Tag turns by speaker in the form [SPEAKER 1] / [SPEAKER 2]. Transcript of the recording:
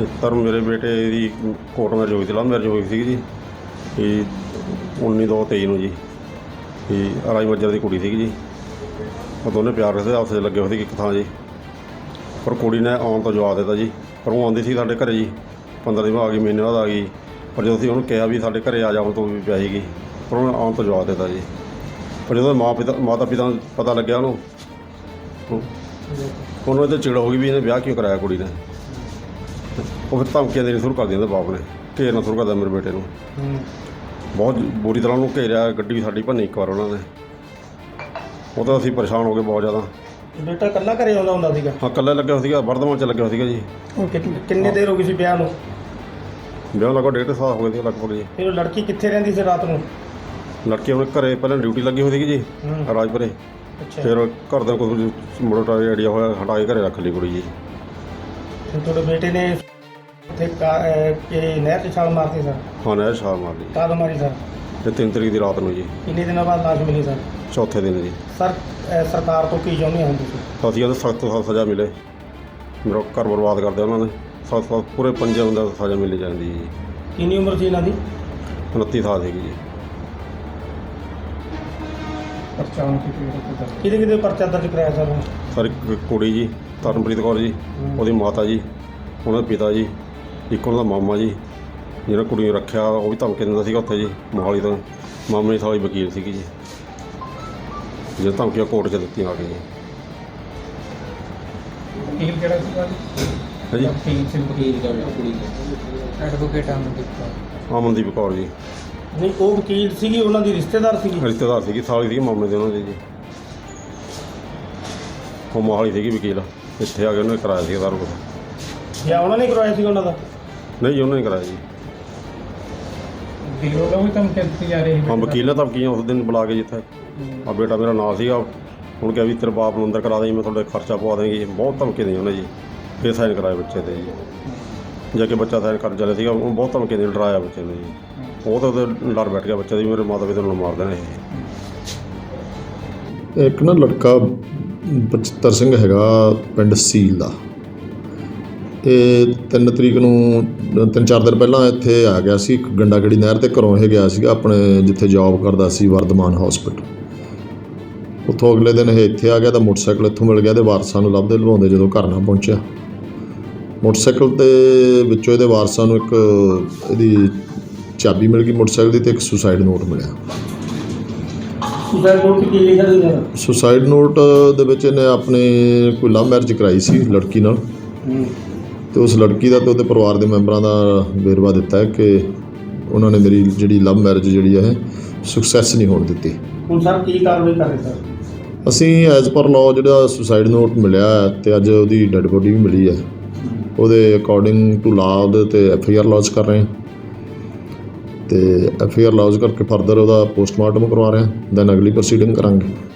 [SPEAKER 1] Sir ਮੇਰੇ ਬੇਟੇ ਦੀ court marriage ਹੋਈ ਸੀ, ਲਵ ਮੈਰਿਜ ਹੋਈ ਸੀ ਜੀ ਇਹ 19/2/23 ਨੂੰ ਜੀ। ਇਹ ਰਾਜ ਮੱਜਰ ਦੀ ਕੁੜੀ ਸੀਗੀ ਜੀ। ਉਹ ਦੋਨੇ ਪਿਆਰ ਕਰਦੇ ਆਪਸ 'ਚ ਲੱਗੇ ਹੋਏ ਸੀ ਇੱਕ ਥਾਂ ਜੀ। ਪਰ ਕੁੜੀ ਨੇ ਆਉਣ ਤੋਂ ਜਵਾਬ ਦਿੱਤਾ ਜੀ। ਪਰ ਉਹ ਆਉਂਦੀ ਸੀ ਸਾਡੇ ਘਰ ਜੀ, 15 ਦਿਨ ਬਾਅਦ ਆ ਗਈ, ਮਹੀਨੇ ਬਾਅਦ ਆ ਗਈ। ਪਰ ਜਦੋਂ ਅਸੀਂ ਉਹਨੂੰ ਕਿਹਾ ਵੀ ਸਾਡੇ ਘਰ ਆ ਜਾਣ ਤੋਂ ਵੀ ਪਿਆ ਸੀਗੀ, ਪਰ ਉਹਨੇ ਆਉਣ ਤੋਂ ਜਵਾਬ ਦਿੱਤਾ ਜੀ। ਪਰ ਜਦੋਂ ਮਾਤਾ ਪਿਤਾ ਨੂੰ ਪਤਾ ਲੱਗਿਆ ਉਹਨੂੰ ਇਹ 'ਤੇ ਚਿੜ ਹੋ ਗਈ ਵੀ ਇਹਨੇ ਵਿਆਹ ਕਿਉਂ ਕਰਾਇਆ ਕੁੜੀ ਨੇ। ਉਹ ਫਿਰ ਧਮਕੀਆਂ ਦੇਣੀ ਸ਼ੁਰੂ ਕਰ ਦਿੱਤੀਆਂ ਉਹਦੇ ਬਾਪ ਨੇ, ਘੇਰਨਾ ਸ਼ੁਰੂ ਕਰਦਾ ਮੇਰੇ ਬੇਟੇ ਨੂੰ। ਬਹੁਤ ਬੁਰੀ ਤਰ੍ਹਾਂ ਉਹਨੂੰ ਘੇਰਿਆ, ਗੱਡੀ ਵੀ ਸਾਡੀ ਭੰਨੀ ਇੱਕ ਵਾਰ ਉਹਨਾਂ ਨੇ। ਉਹ ਤਾਂ ਅਸੀਂ ਪਰੇਸ਼ਾਨ ਹੋ ਗਏ ਬਹੁਤ ਜ਼ਿਆਦਾ।
[SPEAKER 2] ਬੇਟਾ ਇਕੱਲਾ ਘਰੇ ਆਉਂਦਾ ਹੁੰਦਾ ਸੀਗਾ?
[SPEAKER 1] ਹਾਂ, ਇਕੱਲਾ ਲੱਗਿਆ ਹੋਇਆ ਸੀਗਾ, ਵਰਧਮਾਨ 'ਚ ਲੱਗਿਆ ਹੋਇਆ ਸੀਗਾ ਜੀ।
[SPEAKER 2] ਕਿੰਨੇ ਦੇਰ ਹੋ ਗਈ ਸੀ ਵਿਆਹ ਨੂੰ?
[SPEAKER 1] ਵਿਆਹ ਲਗਭਗ 1.5 ਸਾਲ ਹੋ ਗਏ ਸੀ ਲਗਭਗ ਜੀ।
[SPEAKER 2] ਫਿਰ ਉਹ ਲੜਕੀ ਕਿੱਥੇ ਰਹਿੰਦੀ ਸੀ ਰਾਤ ਨੂੰ?
[SPEAKER 1] ਲੜਕੀ ਆਪਣੇ ਘਰੇ ਪਹਿਲਾਂ ਡਿਊਟੀ ਲੱਗੀ ਹੋਈ ਸੀਗੀ ਜੀ ਰਾਜਪੁਰੇ।
[SPEAKER 2] ਅੱਛਾ,
[SPEAKER 1] ਫਿਰ ਘਰ ਦਾ ਕੋਈ ਮੋਟਾ ਆਈਡੀਆ ਹੋਇਆ, ਹਟਾ ਕੇ ਘਰੇ ਰੱਖ ਲਈ ਕੁੜੀ ਜੀ।
[SPEAKER 2] ਫਿਰ ਤੁਹਾਡੇ ਬੇਟੇ ਨੇ ਉੱਥੇ ਨਹਿਰ 'ਚ ਛਾਲ ਮਾਰਤੀ ਸਰ?
[SPEAKER 1] ਹਾਂ, ਨਹਿਰ ਛਾਲ ਮਾਰ ਲਈ
[SPEAKER 2] ਕਦ ਮਾਰੀ ਸਰ?
[SPEAKER 1] ਤੇ 3 ਤਰੀਕ ਦੀ ਰਾਤ ਨੂੰ ਜੀ।
[SPEAKER 2] ਕਿੰਨੇ ਦਿਨਾਂ ਬਾਅਦ ਲਾਸ਼ ਮਿਲੀ ਸਰ?
[SPEAKER 1] ਚੌਥੇ ਦਿਨ ਜੀ।
[SPEAKER 2] ਸਰ ਸਰਕਾਰ ਤੋਂ ਕੀ ਚਾਹੁੰਦੇ ਹੋ ਤੁਸੀਂ?
[SPEAKER 1] ਅਸੀਂ ਉਹਨੂੰ ਸਖਤ ਤੋਂ ਸਖਤ ਸਜ਼ਾ ਮਿਲੇ। ਮੇਰਾ ਘਰ ਬਰਬਾਦ ਕਰਦੇ ਉਹਨਾਂ ਨੇ। ਸਖਤ ਪੂਰੇ 5 ਬੰਦਿਆਂ ਨੂੰ ਸਜ਼ਾ ਮਿਲਣੀ ਚਾਹੀਦੀ ਜੀ।
[SPEAKER 2] ਕਿੰਨੀ ਉਮਰ ਸੀ ਇਹਨਾਂ ਦੀ?
[SPEAKER 1] 29 ਸਾਲ ਸੀਗੀ ਜੀ।
[SPEAKER 2] ਕਿਹਦੇ ਕਿਹਦੇ ਪਰਚਾ ਦਰਜ ਕਰਾਇਆ ਸਰ?
[SPEAKER 1] ਸਰ ਇੱਕ ਕੁੜੀ ਜੀ, ਤਰਨਪ੍ਰੀਤ ਕੌਰ ਜੀ, ਉਹਦੀ ਮਾਤਾ ਜੀ, ਉਹਨਾਂ ਦੇ ਪਿਤਾ ਜੀ, ਇੱਕ ਉਹਨਾਂ ਦਾ ਮਾਮਾ ਜੀ ਜਿਹੜਾ ਕੁੜੀ ਨੂੰ ਰੱਖਿਆ, ਉਹ ਵੀ ਧਮਕੀ ਦਿੰਦਾ ਸੀਗਾ ਉੱਥੇ ਜੀ ਮੋਹਾਲੀ ਤੋਂ। ਮਾਮੇ ਦੀ ਸਾਲੀ ਵਕੀਲ ਸੀਗੀ ਜੀ, ਜਿਹੜਾ ਧਮਕੀਆਂ ਕੋਰਟ 'ਚ ਦਿੱਤੀਆਂ ਆ ਕੇ ਜੀ।
[SPEAKER 3] ਵਕੀਲ ਕਿਹੜਾ ਸੀਗਾ ਜੀ?
[SPEAKER 1] ਹੈ ਜੀ,
[SPEAKER 3] ਵਕੀਲ ਕੁੜੀ ਦਾ ਐਡਵੋਕੇਟ
[SPEAKER 1] ਅਮਨਦੀਪ ਕੌਰ ਜੀ।
[SPEAKER 2] ਨਹੀਂ, ਉਹ ਵਕੀਲ ਸੀਗੀ, ਉਹਨਾਂ ਦੀ ਰਿਸ਼ਤੇਦਾਰ ਸੀਗੀ?
[SPEAKER 1] ਰਿਸ਼ਤੇਦਾਰ ਸੀਗੀ, ਸਾਲੀ ਸੀਗੀ ਮਾਮੇ ਦੇ ਉਹਨਾਂ ਦੇ ਜੀ। ਉਹ ਮੋਹਾਲੀ ਸੀਗੀ ਵਕੀਲ, ਇੱਥੇ ਆ ਕੇ ਉਹਨੇ ਕਰਾਇਆ ਸੀ ਸਾਰਾ ਕੁਛ।
[SPEAKER 2] ਜਾਂ ਉਹਨਾਂ ਨੇ ਕਰਵਾਇਆ ਸੀ ਉਹਨਾਂ ਦਾ?
[SPEAKER 1] ਨਹੀਂ ਜੀ, ਉਹਨਾਂ ਨੇ ਕਰਾਇਆ ਜੀ।
[SPEAKER 3] ਵਕੀਲ ਵੱਲੋਂ ਵੀ ਧਮਕੀ ਦਿੱਤੀ ਜਾ ਰਹੀ ਹੈ?
[SPEAKER 1] ਹਾਂ, ਵਕੀਲ ਨੇ ਧਮਕੀਆਂ ਉਸ ਦਿਨ ਬੁਲਾ ਕੇ ਜਿੱਥੇ ਆ ਬੇਟਾ ਮੇਰਾ ਨਾਲ ਸੀਗਾ, ਹੁਣ ਕਿਹਾ ਵੀ ਤੇਰੇ ਬਾਪ ਨੂੰ ਅੰਦਰ ਕਰਾ ਦੇਂ, ਮੈਂ ਤੁਹਾਡੇ ਖਰਚਾ ਪਵਾ ਦੇਂਗੀ। ਬਹੁਤ ਧਮਕੀ ਦੇਈ ਉਹਨੇ ਜੀ। ਫਿਰ ਸਾਈਨ ਕਰਾਏ ਬੱਚੇ 'ਤੇ ਜੀ। ਜਾ ਕੇ ਬੱਚਾ ਸਾਈਨ ਕਰਨ ਚੱਲਿਆ ਸੀਗਾ, ਉਹਨੂੰ ਬਹੁਤ ਧਮਕੀ ਦੇ ਡਰਾਇਆ ਬੱਚੇ ਨੂੰ ਜੀ। ਉਹ ਤਾਂ ਉਹਦੇ ਡਰ ਬੈਠ ਗਿਆ ਬੱਚੇ ਦੀ, ਮੇਰੇ ਮਾਤਾ ਪਿਤਾ ਨੂੰ ਮਾਰ ਦੇਣਾ ਇਹ।
[SPEAKER 4] ਇੱਕ ਨਾ ਲੜਕਾ ਬਚਿੱਤਰ ਸਿੰਘ ਹੈਗਾ ਪਿੰਡ ਸੀਲ ਦਾ। ਇਹ 3 ਤਰੀਕ ਨੂੰ 3-4 ਦਿਨ ਪਹਿਲਾਂ ਇੱਥੇ ਆ ਗਿਆ ਸੀ ਗੰਡਾਗੜੀ ਨਹਿਰ 'ਤੇ। ਘਰੋਂ ਇਹ ਗਿਆ ਸੀਗਾ ਆਪਣੇ ਜਿੱਥੇ ਜੋਬ ਕਰਦਾ ਸੀ ਵਰਧਮਾਨ ਹੌਸਪੀਟਲ। ਉੱਥੋਂ ਅਗਲੇ ਦਿਨ ਇਹ ਇੱਥੇ ਆ ਗਿਆ ਤਾਂ ਮੋਟਰਸਾਈਕਲ ਇੱਥੋਂ ਮਿਲ ਗਿਆ। ਇਹਦੇ ਵਾਰਸਾਂ ਨੂੰ ਲੱਭਦੇ ਲਵਾਉਂਦੇ ਜਦੋਂ ਘਰ ਨਾ ਪਹੁੰਚਿਆ, ਮੋਟਰਸਾਈਕਲ 'ਤੇ ਵਿੱਚੋਂ ਇਹਦੇ ਵਾਰਸਾਂ ਨੂੰ ਇੱਕ ਇਹਦੀ ਚਾਬੀ ਮਿਲ ਗਈ ਮੋਟਰਸਾਈਕਲ ਦੀ, ਅਤੇ ਇੱਕ ਸੁਸਾਈਡ ਨੋਟ ਮਿਲਿਆ।
[SPEAKER 2] ਸੁਸਾਈਡ ਨੋਟ ਕੀ ਲਿਖਿਆ ਸੀ?
[SPEAKER 4] ਸੁਸਾਈਡ ਨੋਟ ਦੇ ਵਿੱਚ ਇਹਨੇ ਆਪਣੇ ਕੋਈ ਲਵ ਮੈਰਿਜ ਕਰਾਈ ਸੀ ਲੜਕੀ ਨਾਲ, ਅਤੇ ਉਸ ਲੜਕੀ ਦਾ ਅਤੇ ਉਹਦੇ ਪਰਿਵਾਰ ਦੇ ਮੈਂਬਰਾਂ ਦਾ ਵੇਰਵਾ ਦਿੱਤਾ ਹੈ ਕਿ ਉਹਨਾਂ ਨੇ ਮੇਰੀ ਜਿਹੜੀ ਲਵ ਮੈਰਿਜ ਜਿਹੜੀ ਹੈ ਸਕਸੈਸ ਨਹੀਂ ਹੋਣ ਦਿੱਤੀ।
[SPEAKER 2] ਹੁਣ ਸਰ ਕੀ ਕਾਰਵਾਈ ਕਰ ਰਹੇ ਸਰ?
[SPEAKER 4] ਅਸੀਂ ਐਜ਼ ਪਰ ਲਾਅ ਜਿਹੜਾ ਸੁਸਾਈਡ ਨੋਟ ਮਿਲਿਆ ਅਤੇ ਅੱਜ ਉਹਦੀ ਡੈੱਡ ਬੋਡੀ ਵੀ ਮਿਲੀ ਹੈ, ਉਹਦੇ ਅਕੋਰਡਿੰਗ ਟੂ ਲਾਅ ਉਹਦੇ 'ਤੇ FIR ਲੌਜ ਕਰ ਰਹੇ ਹਾਂ। ਅਤੇ FIR ਲੌਜ ਕਰਕੇ ਫਰਦਰ ਉਹਦਾ ਪੋਸਟਮਾਰਟਮ ਕਰਵਾ ਰਹੇ ਹਾਂ, ਦੈਨ ਅਗਲੀ ਪ੍ਰੋਸੀਡਿੰਗ ਕਰਾਂਗੇ।